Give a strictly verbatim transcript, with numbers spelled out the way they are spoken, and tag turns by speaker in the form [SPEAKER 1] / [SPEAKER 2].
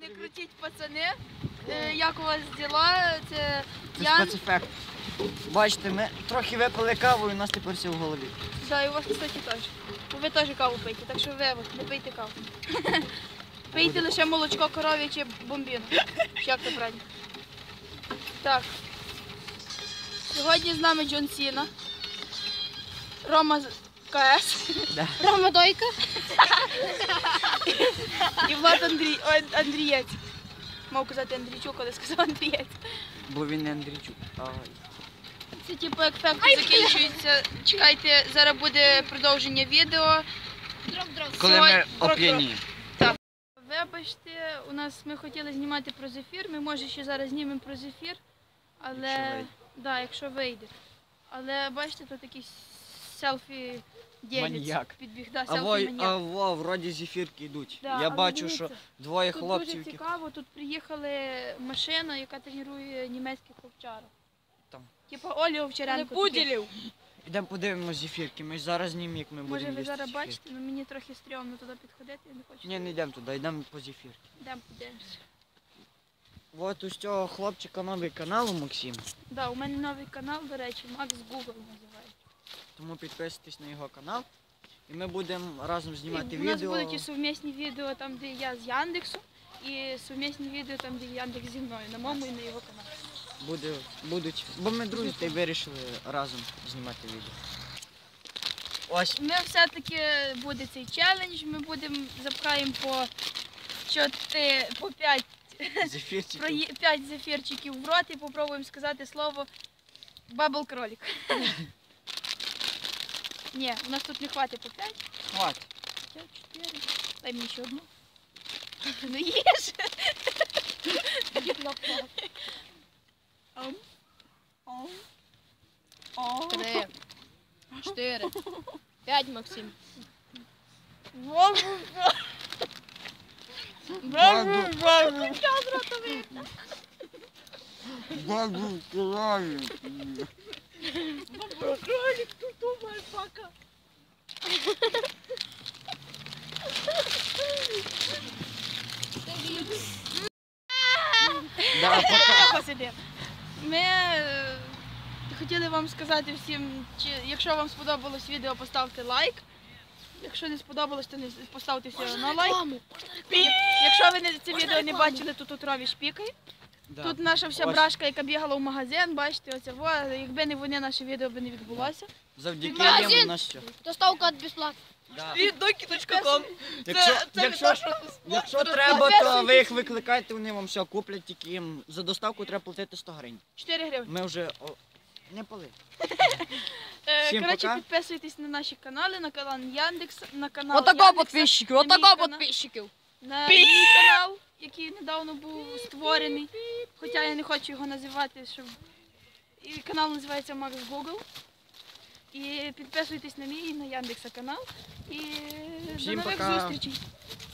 [SPEAKER 1] Не крутіть, пацани. Е, Як у вас діла? Це
[SPEAKER 2] Це
[SPEAKER 1] Ян.
[SPEAKER 2] спецефект. Бачите, ми трохи випили каву і у нас тепер все в голові.
[SPEAKER 1] Да, і у вас, кстати, теж. Ви теж каву пийте, так що ви от, не пийте каву. Пийте лише молочко коров'яче бомбіну. Як це правильно? Так. Сьогодні з нами Джон Сіна. Рома з КС.
[SPEAKER 2] Да.
[SPEAKER 1] Рома Дойка. І Влад Андрій... Ой, Андрієць. Мав казати Андрійчук, але сказав Андрієць.
[SPEAKER 2] Бо він не Андрійчук. Ай.
[SPEAKER 1] Це типу як факти закінчуються. Чекайте, зараз буде продовження відео.
[SPEAKER 2] Коли ми оп'яні.
[SPEAKER 1] Вибачте, у нас ми хотіли знімати про зефір, ми може ще зараз знімемо про зефір, але
[SPEAKER 2] Якщо вийде.
[SPEAKER 1] да, якщо вийде. Але бачите, тут якийсь селфі ділець
[SPEAKER 2] Маніяк.
[SPEAKER 1] підбіг. Да,
[SPEAKER 2] А во,
[SPEAKER 1] селфі
[SPEAKER 2] а
[SPEAKER 1] маніяк.
[SPEAKER 2] во, вроді зефірки йдуть.
[SPEAKER 1] Да,
[SPEAKER 2] Я
[SPEAKER 1] але
[SPEAKER 2] бачу,
[SPEAKER 1] дивіться,
[SPEAKER 2] що двоє
[SPEAKER 1] Тут
[SPEAKER 2] хлопців.
[SPEAKER 1] дуже
[SPEAKER 2] які-
[SPEAKER 1] цікаво, тут приїхали машина, яка тренує німецьких овчарок.
[SPEAKER 2] Там.
[SPEAKER 1] Типа Олі Овчаренко.
[SPEAKER 3] Пуділів.
[SPEAKER 2] Ідемо подивимось зефірки. Ми ж зараз знімемо, як ми
[SPEAKER 1] Може
[SPEAKER 2] будемо
[SPEAKER 1] ви
[SPEAKER 2] їсти
[SPEAKER 1] зараз
[SPEAKER 2] зефірки.
[SPEAKER 1] бачите, але мені трохи стрьомно туди підходити, я не хочу.
[SPEAKER 2] Ні, не йдемо туди, йдемо по зефірки.
[SPEAKER 1] Йдемо подивимося.
[SPEAKER 2] От у цього хлопчика новий канал у Максима.
[SPEAKER 1] Да, у мене новий канал, до речі, Макс Google називається.
[SPEAKER 2] Тому підписуйтесь на його канал. І ми будемо разом знімати
[SPEAKER 1] І у нас
[SPEAKER 2] відео.
[SPEAKER 1] будуть і сумісні відео там, де я з Яндексу, і сумісні відео там, де Яндекс зі мною, на моєму і на його каналі.
[SPEAKER 2] Буде, будуть, бо ми друзі та й вирішили разом знімати відео. Ось.
[SPEAKER 1] Ми все-таки буде цей челендж, ми будемо запхаємо по чотири, по п'ять,
[SPEAKER 2] Зефірчики.
[SPEAKER 1] п'ять зефірчиків в рот і попробуємо сказати слово бабл кролик. Ні, у нас тут не хватить по п'ять.
[SPEAKER 2] Хватить.
[SPEAKER 1] П'ять, чотири. Дай мені ще одну. Ну їж. Ам. Ам. Ам.
[SPEAKER 3] Три. Чотири. П'ять, Максим.
[SPEAKER 2] Бабу кролик.
[SPEAKER 3] Кролик, тут думає, пока.
[SPEAKER 2] Да, пока.
[SPEAKER 1] Посиди. Ми е, хотіли вам сказати всім, чи, якщо вам сподобалось відео, поставте лайк. Якщо не сподобалось, то не поставте все одно лайк. Як- Якщо ви не, це відео не бачили, то тут Рові шпікає.
[SPEAKER 2] Да.
[SPEAKER 1] Тут наша вся
[SPEAKER 2] Ось.
[SPEAKER 1] брашка, яка бігала в магазин, бачите, оце, во, якби не вони, наше відео б не відбулося.
[SPEAKER 2] Завдяки
[SPEAKER 3] Магазин.
[SPEAKER 2] їм у нас все.
[SPEAKER 3] Доставка від безплатно.
[SPEAKER 2] Да.
[SPEAKER 3] Від докі точка ком.
[SPEAKER 2] Якщо,
[SPEAKER 3] це
[SPEAKER 2] якщо,
[SPEAKER 3] не то, що-
[SPEAKER 2] якщо треба, то ви їх викликайте, вони вам все куплять, тільки їм за доставку треба платити сто гривень.
[SPEAKER 1] чотири гривні.
[SPEAKER 2] Ми вже о, не пали.
[SPEAKER 1] Е,
[SPEAKER 2] Всім
[SPEAKER 1] Коротше,
[SPEAKER 2] пока.
[SPEAKER 1] підписуйтесь на наші канали, на канал Яндекс, на канал
[SPEAKER 3] Отако
[SPEAKER 1] Яндекса,
[SPEAKER 3] підписчиків,
[SPEAKER 1] на мій
[SPEAKER 3] отако
[SPEAKER 1] канал.
[SPEAKER 3] підписчиків.
[SPEAKER 1] На мій канал, який недавно був створений, хоча я не хочу його називати, щоб... І канал називається Макс Google. І підписуйтесь на мій і на Яндекса канал. І
[SPEAKER 2] Всім
[SPEAKER 1] до нових
[SPEAKER 2] пока.
[SPEAKER 1] зустрічей.